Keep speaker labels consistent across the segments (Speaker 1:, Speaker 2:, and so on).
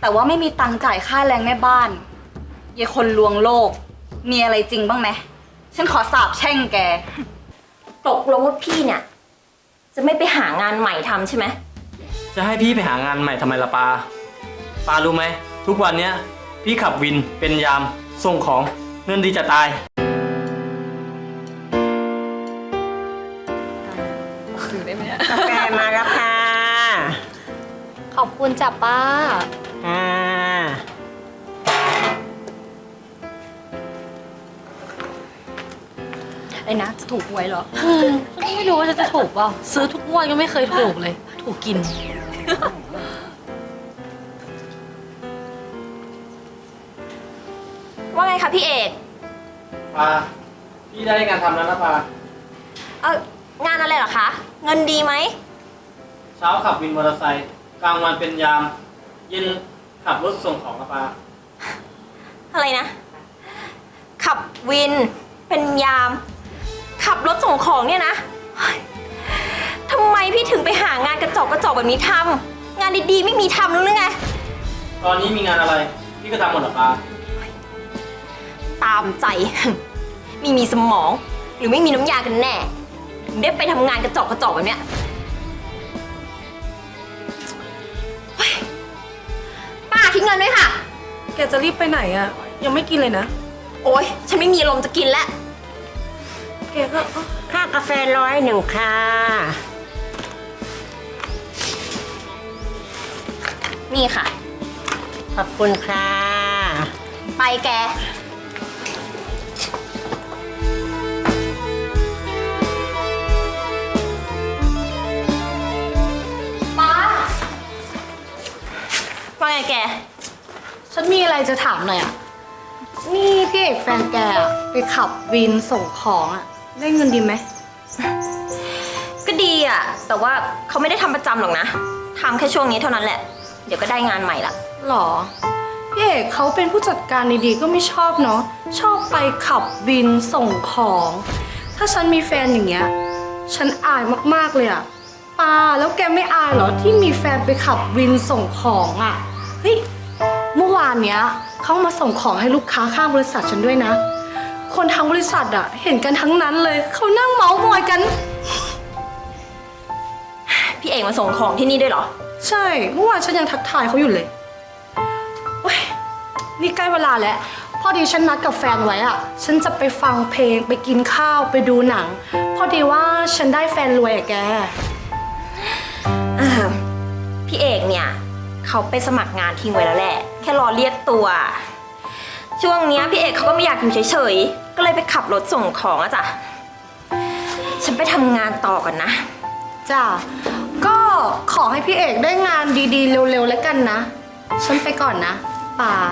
Speaker 1: แต่ว่าไม่มีตังค์จ่ายค่าแรงแม่บ้านยายคนลวงโลกมีอะไรจริงบ้างไหมฉันขอสาบแช่งแก
Speaker 2: ตกลงว่าพี่เนี่ยจะไม่ไปหางานใหม่ทำใช่ไหม
Speaker 3: จะให้พี่ไปหางานใหม่ทำไมล่ะปารู้ไหมทุกวันเนี้ยพี่ขับวินเป็นยามส่งของเงินดีจะตาย
Speaker 1: ซื้อได้ไหมเนี่ย
Speaker 4: กาแฟมาแล้วค่ะ
Speaker 5: ขอบคุณจ้ะป้า
Speaker 1: ไอ้นะจะถูกหวยเหรอ
Speaker 5: ไม่รู้ว่าจะถูกเปล่าซื้อทุกงวดก็ไม่เคยถูกเลย ถูกกิน
Speaker 2: ว่าไงคะพี่เอก
Speaker 3: ปาพี่ได้งานทำแล้วนะปาง
Speaker 2: านอะไรเหรอคะเงินดีไหม
Speaker 3: เช้าขับวินมอเตอร์ไซค์กลางวันเป็นยามเย็นขับรถส่งของนะปา
Speaker 2: อะไรนะขับวินเป็นยามขับรถส่งของเนี่ยนะเฮ้ยทำไมพี่ถึงไปหางานกระจอกแบบนี้ทำงานดีๆไม่มีทำหรือไง
Speaker 3: ตอนนี้มีงานอะไรพี่ก็ทำหมดหรอปา
Speaker 2: ตามใจ มีสมองหรือไม่มีน้ำยากันแน่ถึงได้ไปทำงานกระจอกแบบเนี้ยเฮ้ยป้าทิ้งเงินด้วยค่ะ
Speaker 5: แกจะรีบไปไหนอะยังไม่กินเลยนะ
Speaker 2: โอ๊ยฉันไม่มีอารมณ์จะกินแล้ว
Speaker 5: แกก็
Speaker 4: ค่ากาแฟ101ค่ะ
Speaker 2: นี่ค่ะ
Speaker 4: ขอบคุณค่ะ
Speaker 2: ไปแกป้าว่าไงแก
Speaker 5: ฉันมีอะไรจะถามหน่อยอะนี่พี่เอกแฟนแกอะไปขับวินส่งของอะได้เงินดีไหม
Speaker 2: ก็ดีอ่ะแต่ว่าเขาไม่ได้ทำประจำหรอกนะทำแค่ช่วงนี้เท่านั้นแหละเดี๋ยวก็ได้งานใหม่ละ
Speaker 5: หรอ พี่เอกเขาเป็นผู้จัดการดีๆก็ไม่ชอบเนาะชอบไปขับวินส่งของ ถ้าฉันมีแฟนอย่างเงี้ยฉันอายมากๆเลยอะปาแล้วแกไม่อายเหรอที่มีแฟนไปขับวินส่งของอะเฮ้ยเมื่อวานเนี้ยเขามาส่งของให้ลูกค้าข้างบริษัทฉันด้วยนะ คนทั้งบริษัทอะเห็นกันทั้งนั้นเลยเขานั่งเมาส์มอยกัน
Speaker 2: พี่เอกมาส่งของที่นี่ด้วยเหรอ
Speaker 5: ใช่เมื่อวานฉันยังทักทายเขาอยู่เลยเว้ยนี่ใกล้เวลาแล้วพอดีฉันนัดกับแฟนไว้อะฉันจะไปฟังเพลงไปกินข้าวไปดูหนัง พอดีว่าฉันได้แฟนรวยอะแก
Speaker 2: พี่เอกเนี่ยเขาไปสมัครงานทิ้งไว้แล้วแหละแค่รอเรียกตัว ช่วงเนี้ยพี่เอกเขาก็ไม่อยากอยู่เฉยๆก็เลยไปขับรถส่งของอะจ้ะฉันไปทำงานต่อก่อนนะ
Speaker 5: จ้าก็ขอให้พี่เอกได้งานดีๆเร็วๆแล้วกันนะ ฉันไปก่อนนะป่า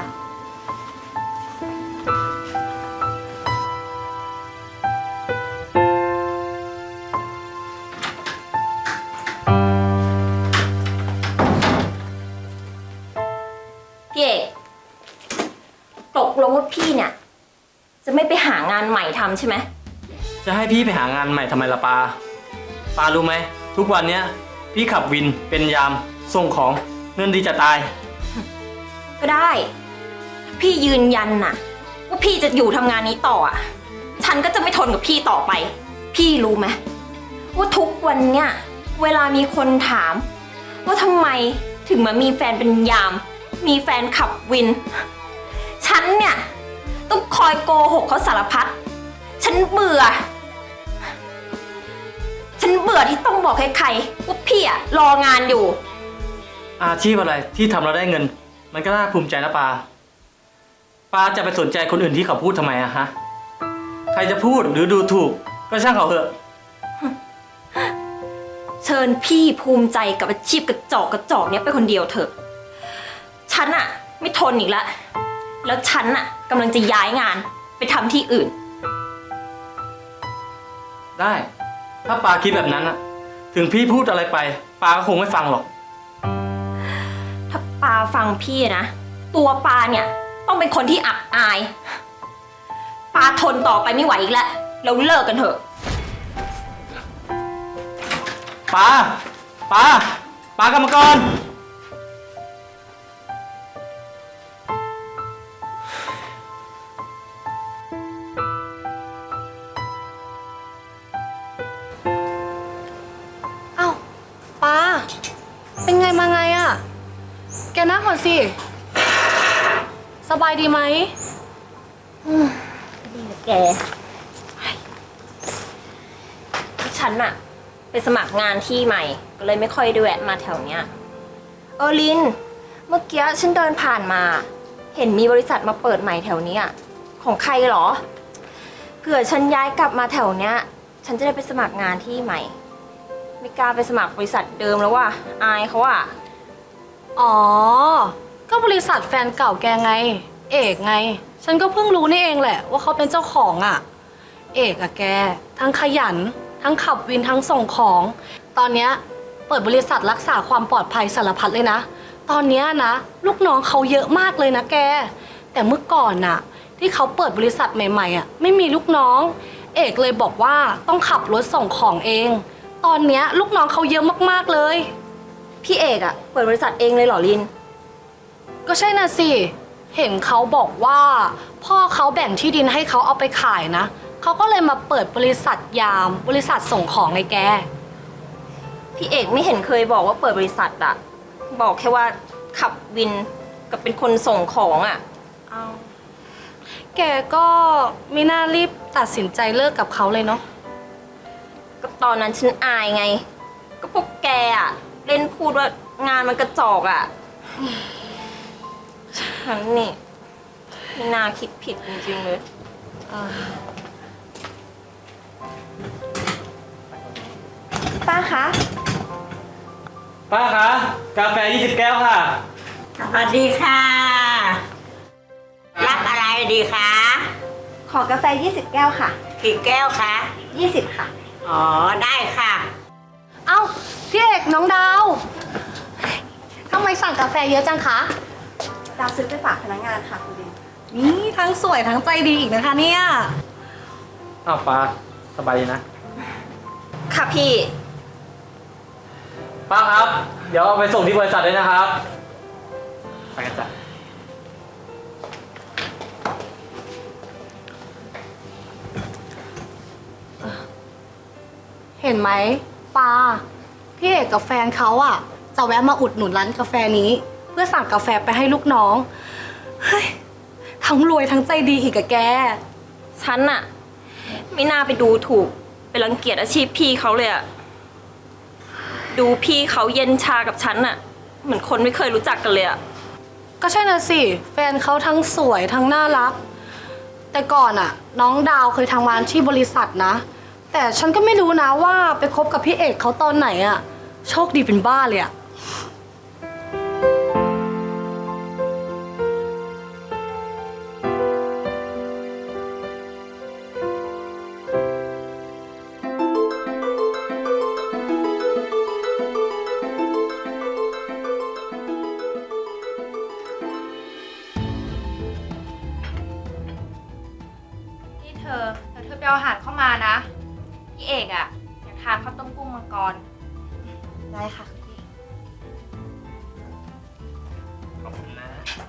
Speaker 2: พี่เอกตกลงว่าพี่เนี่ยจะไม่ไปหางานใหม่ทำใช่ไหม
Speaker 3: จะให้พี่ไปหางานใหม่ทำไมล่ะปารู้ไหมทุกวันเนี้ยพี่ขับวินเป็นยามส่งของเงินดีจะตาย
Speaker 2: ก็ได้ถ้าพี่ยืนยันน่ะว่าพี่จะอยู่ทำงานนี้ต่ออ่ะฉันก็จะไม่ทนกับพี่ต่อไป พี่รู้ไหมว่าทุกวันเนี่ยเวลามีคนถามว่าทำไมถึงมามีแฟนเป็นยามมีแฟนขับวินฉันเนี่ยต้องคอยโกหกเขาสารพัดฉันเบื่อที่ต้องบอกใครๆว่าพี่อะรองานอยู่
Speaker 3: อาชีพอะไรที่ทำเราได้เงิน มันก็น่าภูมิใจนะปาจะไปสนใจคนอื่นที่เขาพูดทำไมอะฮะใครจะพูดหรือดูถูกก็ช่างเขาเถอะ
Speaker 2: เชิญพี่ภูมิใจกับอาชีพกระจอกเนี้ยไปคนเดียวเถอะฉันอะไม่ทนอีกแล้วแล้วฉันอะกำลังจะย้ายงานไปทำที่อื่น
Speaker 3: ได้ถ้าปาคิดแบบนั้นอะถึงพี่พูดอะไรไปปาก็คงไม่ฟังหรอก
Speaker 2: ถ้าปาฟังพี่นะตัวปาเนี่ยต้องเป็นคนที่อับอายปาทนต่อไปไม่ไหวอีกแล้วเราเลิกกันเถอะ
Speaker 3: ปากรรมกร
Speaker 5: งก่อนสิ สบายดีไหม
Speaker 2: แกฉันอะไปสมัครงานที่ใหม่ ก็เลยไม่ค่อยได้แวะมาแถวเนี้ยลิน เมื่อกี้ฉันเดินผ่านมา เห็นมีบริษัทมาเปิดใหม่แถวเนี้ยของใครเหรอเผื่อฉันย้ายกลับมาแถวเนี้ย ฉันจะได้ไปสมัครงานที่ใหม่ ไม่กล้าไปสมัครบริษัทเดิมแล้วว่ะอายเขาอะ
Speaker 5: อ๋อ ก็บริษัทแฟนเก่าแกไง เอกไง ฉันก็เพิ่งรู้นี่เองแหละว่าเขาเป็นเจ้าของอะเอกอะแก ทั้งขยัน ทั้งขับวินทั้งส่งของ ตอนเนี้ยเปิดบริษัทรักษาความปลอดภัยสารพัดเลยนะ ตอนเนี้ยนะ ลูกน้องเขาเยอะมากเลยนะแก แต่เมื่อก่อนน่ะ ที่เขาเปิดบริษัทใหม่ๆอะไม่มีลูกน้อง เอกเลยบอกว่าต้องขับรถส่งของเอง ตอนเนี้ยลูกน้องเขาเยอะมากๆเลย
Speaker 2: พี่เอกอะเปิดบริษัทเองเลยเหรอลิน
Speaker 5: ก็ใช่น่ะสิ เห็นเขาบอกว่า พ่อเขาแบ่งที่ดินให้เขาเอาไปขายนะ เขาก็เลยมาเปิดบริษัทยาม บริษัทส่งของไงแก
Speaker 2: พี่เอกไม่เห็นเคยบอกว่าเปิดบริษัทอะบอกแค่ว่าขับวินกับเป็นคนส่งของอะ
Speaker 5: แกก็ไม่น่ารีบตัดสินใจเลิกกับเขาเลยเนาะ
Speaker 2: ก็ตอนนั้นฉันอายไง ก็พวกแกอะเล่นพูดว่างานมันกระจอกอะฉันนี่ไม่น่าคิดผิดจริงๆเลยป้าคะ
Speaker 3: ป้าคะกาแฟ20 แก้วค่ะ
Speaker 4: สวัสดีค่ะ รับอะไรดีคะ
Speaker 2: ขอกาแฟ20 แก้วค่ะ
Speaker 4: กี่แก้วคะ
Speaker 2: 20 ค่ะ
Speaker 4: อ๋อ ได้ค่ะ
Speaker 5: เอ้าพี่เอกน้องดาวทำไมสั่งกาแฟเยอะจังคะ
Speaker 2: ดาวซื้อไปฝากพนักงานค่ะคุณดิน
Speaker 5: นี่ทั้งสวยทั้งใจดีอีกนะคะเนี่ย
Speaker 3: อ้าวป้าสบายดีนะ
Speaker 2: ค่ะพี่
Speaker 3: ป้าครับ เดี๋ยวเอาไปส่งที่บริษัทเลยนะครับ ไปกันจ้ะ
Speaker 5: เห็นไหมปาพี่เอกกับแฟนเขาอะจะแวะมาอุดหนุนร้านกาแฟนี้ เพื่อสั่งกาแฟไปให้ลูกน้อง เฮ้ย ทั้งรวยทั้งใจดีอีกอะแก
Speaker 2: ฉันอะไม่น่าไปดูถูกไปรังเกียจอาชีพพี่เขาเลยอะดูพี่เขาเย็นชากับฉันอะเหมือนคนไม่เคยรู้จักกันเลยอะ
Speaker 5: ก็ใช่น่ะสิ แฟนเขาทั้งสวยทั้งน่ารัก แต่ก่อนอะน้องดาวเคยทำงานที่บริษัทนะ แต่ฉันก็ไม่รู้นะว่าไปคบกับพี่เอกเขาตอนไหนอะโชคดีเป็นบ้าเลยอะ
Speaker 1: นี่เธอไปเอาอาหารเข้ามานะ พี่เอกอะอยากทานข้าวต้มกุ้งมังกร
Speaker 2: ได้ค่ะคุณพี่
Speaker 3: ขอบคุณนะ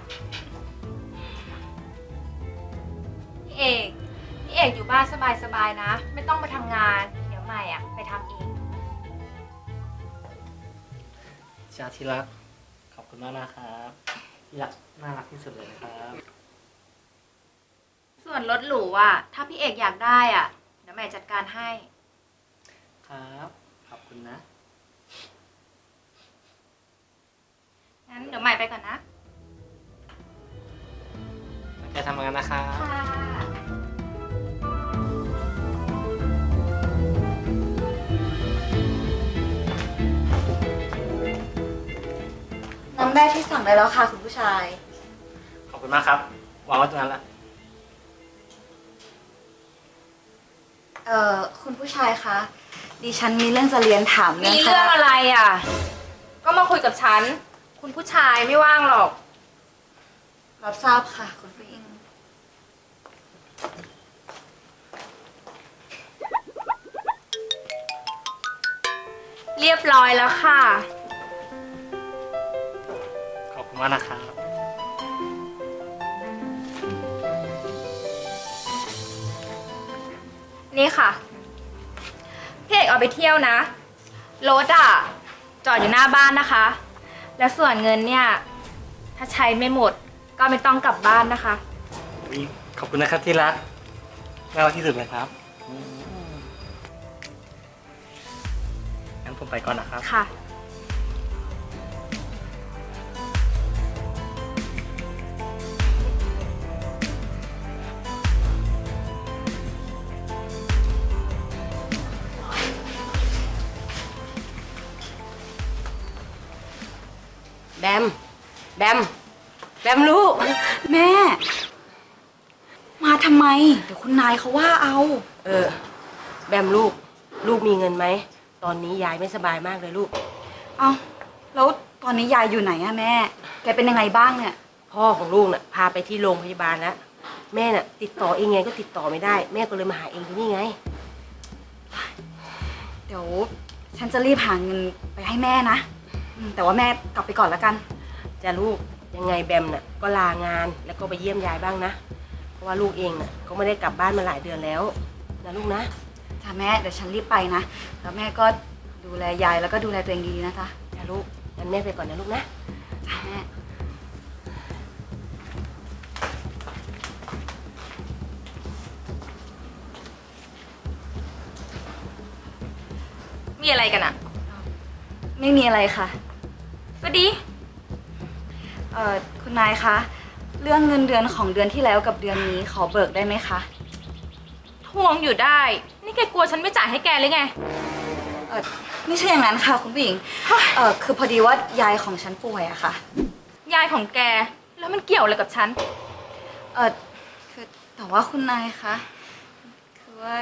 Speaker 1: พี่เอกอยู่บ้านสบายๆนะ ไม่ต้องไปทำงาน เดี๋ยวใหม่อะไปทำเอง
Speaker 3: ชาที่รัก ขอบคุณมากนะครับที่รักน่ารักที่สุดเลยนะครับ
Speaker 1: ส่วนรถหรูอะถ้าพี่เอกอยากได้อะเดี๋ยวใหม่จัดการให้
Speaker 3: ครับ ขอบคุณนะ
Speaker 1: งั้นเดี๋ยวใหม่ไปก่อนนะ
Speaker 3: แกทำงานนะครับ
Speaker 1: ค่ะน้ำได้ที่สั่งได้แล้วค่ะคุณผู้ชาย
Speaker 3: ขอบคุณมากครับวางไว้ตรงนั้นละ
Speaker 1: คุณผู้ชายคะ ดิฉันมีเรื่องจะเรียนถาม
Speaker 2: มีเรื่องอะไรอ่ะ ก็มาคุยกับฉัน คุณผู้ชายไม่ว่างหรอก
Speaker 1: รับทราบค่ะ คุณผู้หญิง
Speaker 2: เรียบร้อยแล้วค่ะ
Speaker 3: ขอบคุณมากนะครับ
Speaker 2: นี่ค่ะ พี่เอกเอาไปเที่ยวนะ รถอ่ะ จอดอยู่หน้าบ้านนะคะ และส่วนเงินเนี่ยใช้ไม่หมด ก็ไม่ต้องกลับบ้านนะคะ
Speaker 3: อุ๊ยขอบคุณนะครับที่รักน่ารักที่สุดเลยครับงั้นผมไปก่อนนะครับ
Speaker 2: ค่ะ
Speaker 4: แบม แบม แบมลูก
Speaker 1: แม่ มาทำไม เดี๋ยวคุณนายเขาว่าเอา
Speaker 4: แบมลูก ลูกมีเงินไหม ตอนนี้ยายไม่สบายมากเลยลูก
Speaker 1: เอาแล้วตอนนี้ยายอยู่ไหนอะแม่ แกเป็นยังไงบ้างเนี่ย
Speaker 4: พ่อของลูกน่ะพาไปที่โรงพยาบาลแล้ว แม่น่ะ ติดต่อเองไงก็ติดต่อไม่ได้ แม่ก็เลยมาหาเองที่นี่ไง
Speaker 1: เดี๋ยวฉันจะรีบหาเงินไปให้แม่นะแต่ว่าแม่กลับไปก่อนแล้วกัน
Speaker 4: จะลูกยังไงแบมน่ะก็ลางานแล้วก็ไปเยี่ยมยายบ้างนะ เพราะว่าลูกเองน่ะก็ไม่ได้กลับบ้านมาหลายเดือนแล้วนะลูกนะ
Speaker 1: จ้ะแม่เดี๋ยวฉันรีบไปนะ แล้วแม่ก็ดูแลยายแล้วก็ดูแลตัวเองดีๆนะจ๊ะ
Speaker 4: จะลูกงั้นแม่ไปก่อนนะลูกนะ
Speaker 1: จ้ะแม่
Speaker 2: มีอะไรกันอะ
Speaker 1: ไม่มีอะไรค่ะ
Speaker 2: ก็ดี
Speaker 1: คุณนายคะ เรื่องเงินเดือนของเดือนที่แล้วกับเดือนนี้ขอเบิกได้ไหมคะ
Speaker 2: ทวงอยู่ได้ นี่แกกลัวฉันไม่จ่ายให้แกหรือไง
Speaker 1: ไม่ใช่อย่างนั้นค่ะคุณผู้หญิง คือพอดีว่ายายของฉันป่วยอะค่ะ
Speaker 2: ยายของแก แล้วมันเกี่ยวอะไรกับฉัน
Speaker 1: คือแต่ว่าคุณนายคะ คือว่า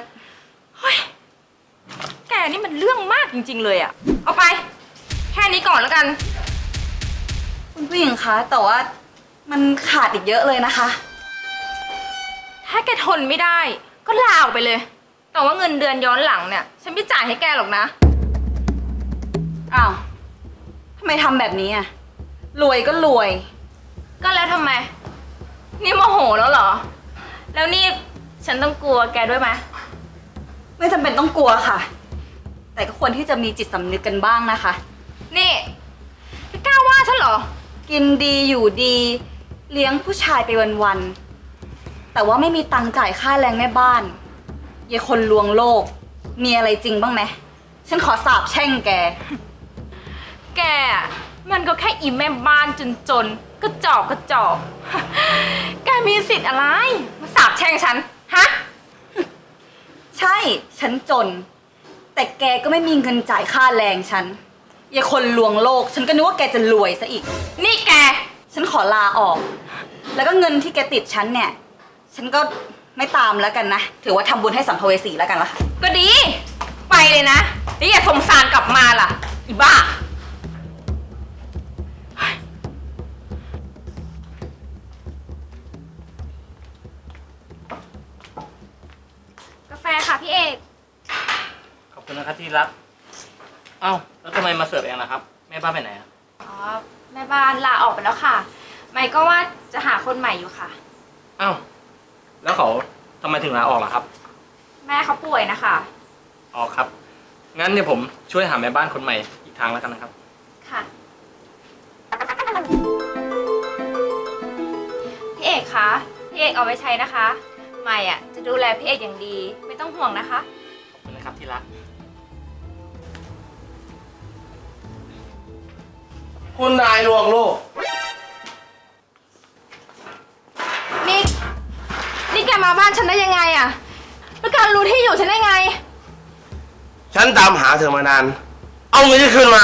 Speaker 2: แกนี่มันเรื่องมากจริงๆเลยอะเอาไป แค่นี้ก่อนแล้วกัน
Speaker 1: คุณผู้หญิงคะ แต่ว่ามันขาดอีกเยอะเลยนะคะ
Speaker 2: ถ้าแกทนไม่ได้ ก็ลาออกไปเลย แต่ว่าเงินเดือนย้อนหลังเนี่ย ฉันไม่จ่ายให้แกหรอกนะ
Speaker 1: อ้าวทำไมทำแบบนี้อะรวยก็รวย
Speaker 2: ก็แล้วทำไม นี่โมโหแล้วเหรอ แล้วนี่ฉันต้องกลัวแกด้วยไหม
Speaker 1: ไม่จำเป็นต้องกลัวค่ะ แต่ก็ควรที่จะมีจิตสำนึกกันบ้างนะคะ
Speaker 2: นี่แกกล้าว่าฉันเหรอ
Speaker 1: กินดีอยู่ดี เลี้ยงผู้ชายไปวันๆแต่ว่าไม่มีตังค์จ่ายค่าแรงแม่บ้านยายคนลวงโลก มีอะไรจริงบ้างไหมฉันขอสาบแช่งแก
Speaker 2: แกอะมันก็แค่อีแม่บ้านจนๆกระจอกกระจอก แกมีสิทธิ์อะไร มาสาบแช่งฉัน ฮะ
Speaker 1: ใช่ ฉันจน แต่แกก็ไม่มีเงินจ่ายค่าแรงฉันยายคนลวงโลก ฉันก็นึกว่าแกจะรวยซะอีก
Speaker 2: นี่แก
Speaker 1: ฉันขอลาออก แล้วก็เงินที่แกติดฉันเนี่ย ฉันก็ไม่ตามแล้วกันนะ ถือว่าทำบุญให้สัมภเวสีแล้วกันละค่ะ
Speaker 2: ก็ดี ไปเลยนะแล้วอย่าสงสารกลับมาล่ะ อีบ้า กาแฟค่ะพี่เอก
Speaker 3: ขอบคุณนะครับที่รัก เอ้าแล้วทำไมมาเสิร์ฟเองล่ะครับ แม่บ้านไปไหนอะ
Speaker 2: อ๋อ แม่บ้านลาออกไปแล้วค่ะ ไม่ก็ว่าจะหาคนใหม่อยู่ค่ะ
Speaker 3: เอ้าแล้วเขาทำไมถึงลาออกล่ะครับ
Speaker 2: แม่เขาป่วยนะคะ
Speaker 3: อ๋อครับ งั้นเดี๋ยวผมช่วยหาแม่บ้านคนใหม่อีกทางแล้วกันนะครับ
Speaker 2: ค่ะ พี่เอกคะ พี่เอกเอาไว้ใช้นะคะ ใหม่อ่ะจะดูแลพี่เอกอย่างดี ไม่ต้องห่วงนะคะ
Speaker 3: ขอบคุณนะครับที่รัก
Speaker 6: คุณนายลวงโลก
Speaker 2: นี่แกมาบ้านฉันได้ยังไงอ่ะ แล้วการรู้ที่อยู่ฉันได้ไง
Speaker 6: ฉันตามหาเธอมานาน เอาเงินที่คืนมา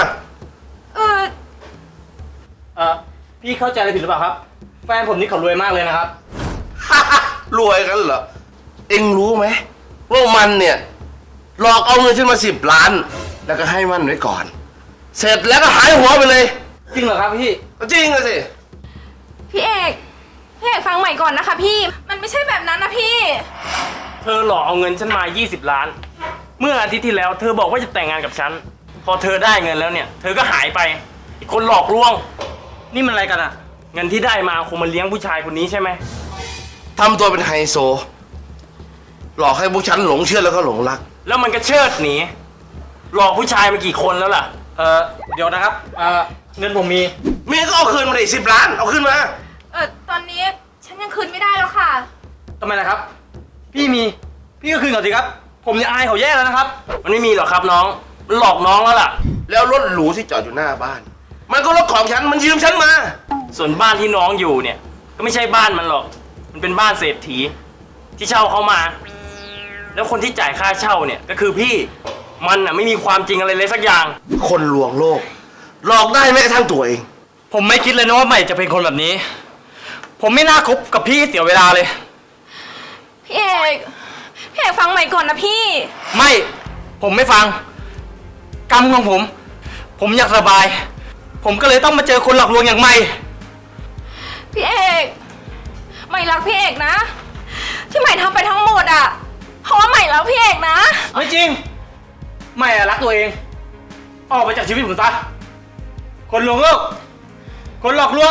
Speaker 3: พี่เข้าใจอะไรผิดหรือเปล่าครับ แฟนผมนี่เขารวยมากเลยนะครับ
Speaker 6: รวยกันเหรอ เอ็งรู้ไหมว่ามันเนี่ย หลอกเอาเงินฉันมา10 ล้าน แล้วก็ให้มันไว้ก่อน เสร็จแล้วก็หายหัวไปเลย
Speaker 3: จริงเหรอครับพี่
Speaker 6: จริงอะสิ
Speaker 2: พี่เอกฟังใหม่ก่อนนะคะพี่ มันไม่ใช่แบบนั้นนะพี่
Speaker 7: เธอหลอกเอาเงินฉันมา 20 ล้าน เมื่ออาทิตย์ที่แล้วเธอบอกว่าจะแต่งงานกับฉัน พอเธอได้เงินแล้วเนี่ย เธอก็หายไปอีกคนหลอกลวง นี่มันอะไรกันอะเงินที่ได้มาคงมาเลี้ยงผู้ชายคนนี้ใช่ไหม
Speaker 6: ทำตัวเป็นไฮโซ หลอกให้พวกฉันหลงเชื่อแล้วก็หลงรัก
Speaker 7: แล้วมันก็เชิดหนี หลอกผู้ชายมากี่คนแล้วล่ะ
Speaker 3: เดี๋ยวนะครับ เงินผมมี
Speaker 6: เมียก็เอาคืนมาดิ10 ล้าน เอาคืนมา
Speaker 2: ตอนนี้ฉันยังคืนไม่ได้แล้วค่ะ
Speaker 3: ทำไมล่ะครับ พี่ก็คืนเขาสิครับ ผมจะอายเขาแย่แล้วนะครับ
Speaker 7: มันไม่มีหรอกครับน้อง มันหลอกน้องแล้วล่ะ
Speaker 6: แล้วรถหรูที่จอดอยู่หน้าบ้าน มันก็รถของฉัน มันยืมฉันมา
Speaker 7: ส่วนบ้านที่น้องอยู่เนี่ย ก็ไม่ใช่บ้านมันหรอก มันเป็นบ้านเศรษฐีที่เช่าเขามา แล้วคนที่จ่ายค่าเช่าเนี่ยก็คือพี่ มันอ่ะไม่มีความจริงอะไรเลยสักอย่าง
Speaker 6: คนลวงโลก หลอกได้แม้กระทั่งตัวเอง
Speaker 3: ผมไม่คิดเลยนะว่าใหม่จะเป็นคนแบบนี้ ผมไม่น่าคบกับพี่เสียเวลาเลย
Speaker 2: พี่เอกฟังใหม่ก่อนนะพี่
Speaker 3: ไม่ ผมไม่ฟัง กรรมของผม ผมอยากสบาย ผมก็เลยต้องมาเจอคนหลอกลวงอย่างใหม่
Speaker 2: พี่เอกใหม่รักพี่เอกนะ ที่ใหม่ทำไปทั้งหมดอ่ะ เพราะว่าใหม่รักพี่เอกนะ
Speaker 3: ไม่จริง ไม่อะรักตัวเอง ออกไปจากชีวิตผมซะ คนลวงโลก คนหลอกลวง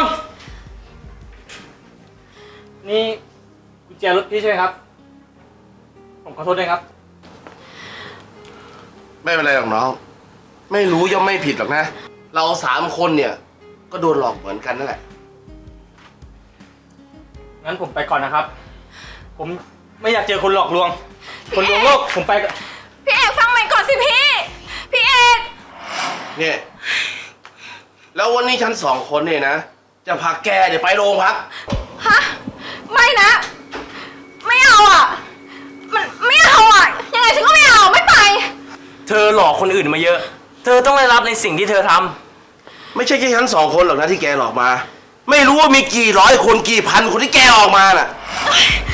Speaker 3: นี่กุญแจรถพี่ใช่ไหมครับ ผมขอโทษด้วยครับ
Speaker 6: ไม่เป็นไรหรอกน้อง ไม่รู้ย่อมไม่ผิดหรอกนะ เรา3 คนเนี่ย ก็โดนหลอกเหมือนกันนั่นแหละ
Speaker 3: งั้นผมไปก่อนนะครับ ผมไม่อยากเจอคนหลอกลวง คนลวงโลก ผมไปก่อน
Speaker 2: พี่เอกฟังใหม่ก่อนสิพี่ พี่เอก
Speaker 6: เนี่ย แล้ววันนี้ฉัน2 คนเนี่ยนะ จะพาแกเดี๋ยวไปโรงพัก
Speaker 2: ฮะ ไม่นะ ไม่เอาอ่ะ มันไม่เอาอ่ะ ยังไงฉันก็ไม่เอา ไม่ไป
Speaker 7: เธอหลอกคนอื่นมาเยอะ เธอต้องได้รับในสิ่งที่เธอทำ
Speaker 6: ไม่ใช่แค่ฉัน2 คนหรอกนะที่แกหลอกมา ไม่รู้ว่ามีกี่ร้อยคนกี่พันคนที่แกออกมาน่ะ